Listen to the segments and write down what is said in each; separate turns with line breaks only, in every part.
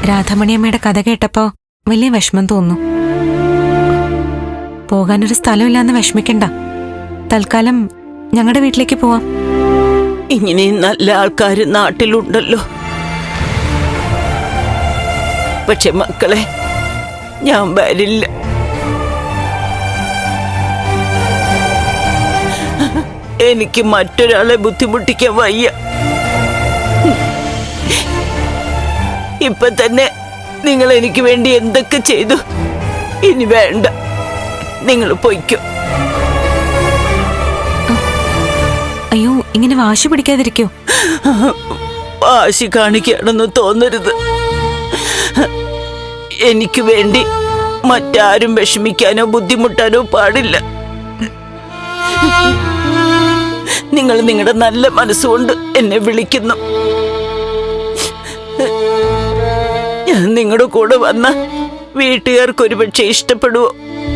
രാധാമണിയമ്മയുടെ കഥ കേട്ടപ്പോ വലിയ വിഷമം തോന്നുന്നു. പോകാനൊരു സ്ഥലമില്ലാന്ന് വിഷമിക്കണ്ട. തൽക്കാലം ഞങ്ങളുടെ വീട്ടിലേക്ക് പോവാം.
ഇങ്ങനെയും നല്ല ആൾക്കാര് നാട്ടിലുണ്ടല്ലോ. പക്ഷെ മക്കളെ, ഞാൻ വരില്ല. എനിക്ക് മറ്റൊരാളെ ബുദ്ധിമുട്ടിക്കാൻ വയ്യ. ഇപ്പൊ തന്നെ നിങ്ങൾ എനിക്ക് വേണ്ടി എന്തൊക്കെ ചെയ്തു. ഇനി വേണ്ട, നിങ്ങൾ പൊയ്ക്കോ.
അയ്യോ, ഇങ്ങനെ വാശി പിടിക്കാതിരിക്കോ.
വാശി കാണിക്കുകയാണെന്ന് തോന്നരുത്. എനിക്ക് വേണ്ടി മറ്റാരും വിഷമിക്കാനോ ബുദ്ധിമുട്ടാനോ പാടില്ല. നിങ്ങൾ നിങ്ങളുടെ നല്ല മനസ്സുകൊണ്ട് എന്നെ വിളിക്കുന്നു. ഞാൻ നിങ്ങളുടെ കൂടെ വന്ന വീട്ടുകാർക്ക് ഒരുപക്ഷെ ഇഷ്ടപ്പെടുവോ?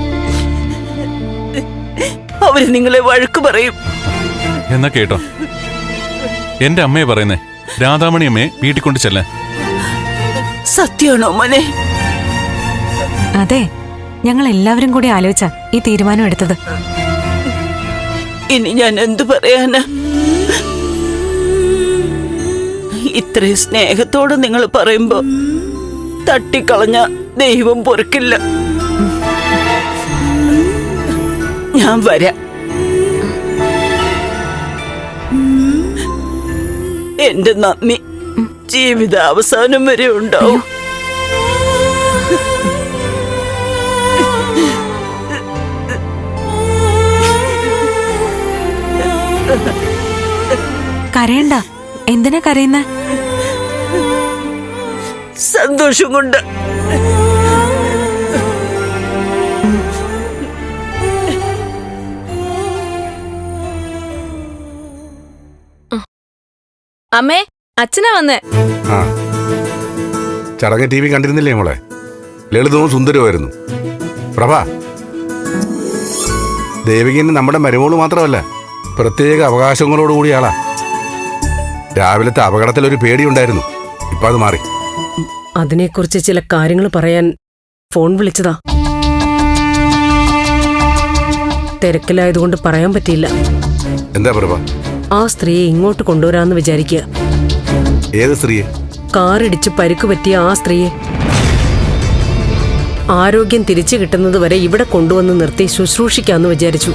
അവര് നിങ്ങളെ വഴക്ക് പറയും.
എന്നാ കേട്ടോ, എന്റെ അമ്മയെ പറയുന്നേ, രാധാമണി അമ്മയെ വീട്ടിൽ കൊണ്ട് ചെല്ലാൻ.
സത്യമാണോ മോനെ?
അതെ, ഞങ്ങൾ എല്ലാവരും കൂടി ആലോചിച്ച ഈ തീരുമാനം എടുത്തത്.
ഇനി ഞാൻ എന്തു പറയാനാ? ഇത്രയും സ്നേഹത്തോടെ നിങ്ങൾ പറയുമ്പോ തട്ടിക്കളഞ്ഞ ദൈവം പൊറുക്കില്ല. ഞാൻ വരാം. എന്റെ നന്ദി ജീവിത അവസാനം വരെ ഉണ്ടാവും.
കരയണ്ട. എന്തിനാ കരയുന്ന?
സന്തോഷം കൊണ്ട്.
അമ്മേ, അച്ഛനാ വന്നേ.
ആ, ചടങ്ങ് TV കണ്ടിരുന്നില്ലേ മോളെ? ലളിതവും സുന്ദരവുമായിരുന്നു. പ്രഭ, ദേവികന് നമ്മുടെ മരുമോള് മാത്രമല്ല, പ്രത്യേക അവകാശങ്ങളോടുകൂടിയ ആളാ. രാവിലത്തെ അപകടത്തിൽ ഒരു പേടിയുണ്ടായിരുന്നു, ഇപ്പൊ അത് മാറി.
അതിനെക്കുറിച്ച് ചില കാര്യങ്ങൾ പറയാൻ ഫോൺ വിളിച്ചതാ. തിരക്കിലായതുകൊണ്ട് പറയാൻ പറ്റിയില്ല.
എന്താ പ്രഭ?
ആ സ്ത്രീയെ ഇങ്ങോട്ട് കൊണ്ടുവരാന്ന് വിചാരിക്കുക.
ഏത് സ്ത്രീയെ?
കാറിടിച്ച് പരിക്ക് പറ്റിയ ആ സ്ത്രീയെ. ആരോഗ്യം തിരിച്ചു കിട്ടുന്നത് വരെ ഇവിടെ കൊണ്ടുവന്ന് നിർത്തി ശുശ്രൂഷിക്കാന്ന് വിചാരിച്ചു.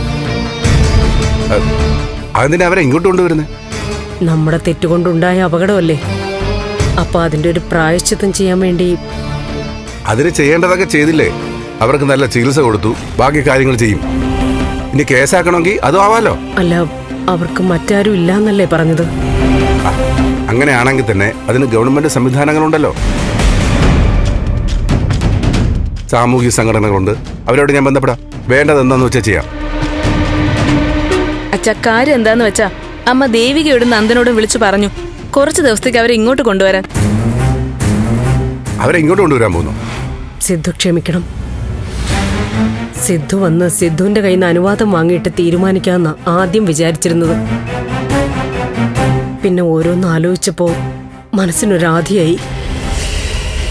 അതെന്തിനാ അവരെ ഇങ്ങോട്ട് കൊണ്ടുവരുന്നത്?
നമ്മുടെ തെറ്റുകൊണ്ടുണ്ടായ അപകടമല്ലേ, അപ്പൊ അതിന്റെ ഒരു പ്രായശ്ചിത്തം ചെയ്യാൻ വേണ്ടി.
അതിന് ചെയ്യേണ്ടതൊക്കെ ചെയ്തില്ലേ? അവർക്ക് നല്ല ചികിത്സ കൊടുത്തു, ബാക്കി കാര്യങ്ങൾ ചെയ്യും. ഇനി കേസാക്കണമെങ്കിൽ അതും ആവാലോ.
അല്ല, അവർക്ക് മറ്റാരും ഇല്ലാന്നല്ലേ പറഞ്ഞത്?
അങ്ങനെയാണെങ്കിൽ തന്നെ അതിന് ഗവൺമെന്റ് സംവിധാനങ്ങളുണ്ടല്ലോ. സാമൂഹിക സംഘടനകളുണ്ട്, അവരോട് ഞാൻ ബന്ധപ്പെടാം. വേണ്ടത് എന്താന്ന് വെച്ചാൽ ചെയ്യാം.
അച്ഛാ, കാര്യം എന്താന്ന് വെച്ചാ അമ്മ ദേവികയോടും നന്ദനോടും വിളിച്ചു പറഞ്ഞു കുറച്ച് ദിവസത്തേക്ക് അവരെ ഇങ്ങോട്ട് കൊണ്ടുവരാൻ.
അവരെ ഇങ്ങോട്ട് കൊണ്ടുവരാൻ പോകുന്നു?
സിദ്ധു ക്ഷമിക്കണം. സിദ്ധു വന്ന് സിദ്ധുവിന്റെ കയ്യിൽ നിന്ന് അനുവാദം വാങ്ങിയിട്ട് തീരുമാനിക്കാമെന്നാ ആദ്യം വിചാരിച്ചിരുന്നത്. പിന്നെ ഓരോന്ന് ആലോചിച്ചപ്പോ മനസ്സിനൊരാധിയായി.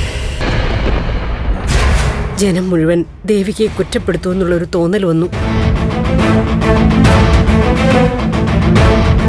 ജനം മുഴുവൻ ദേവികയെ കുറ്റപ്പെടുത്തുമെന്നുള്ളൊരു തോന്നൽ വന്നു.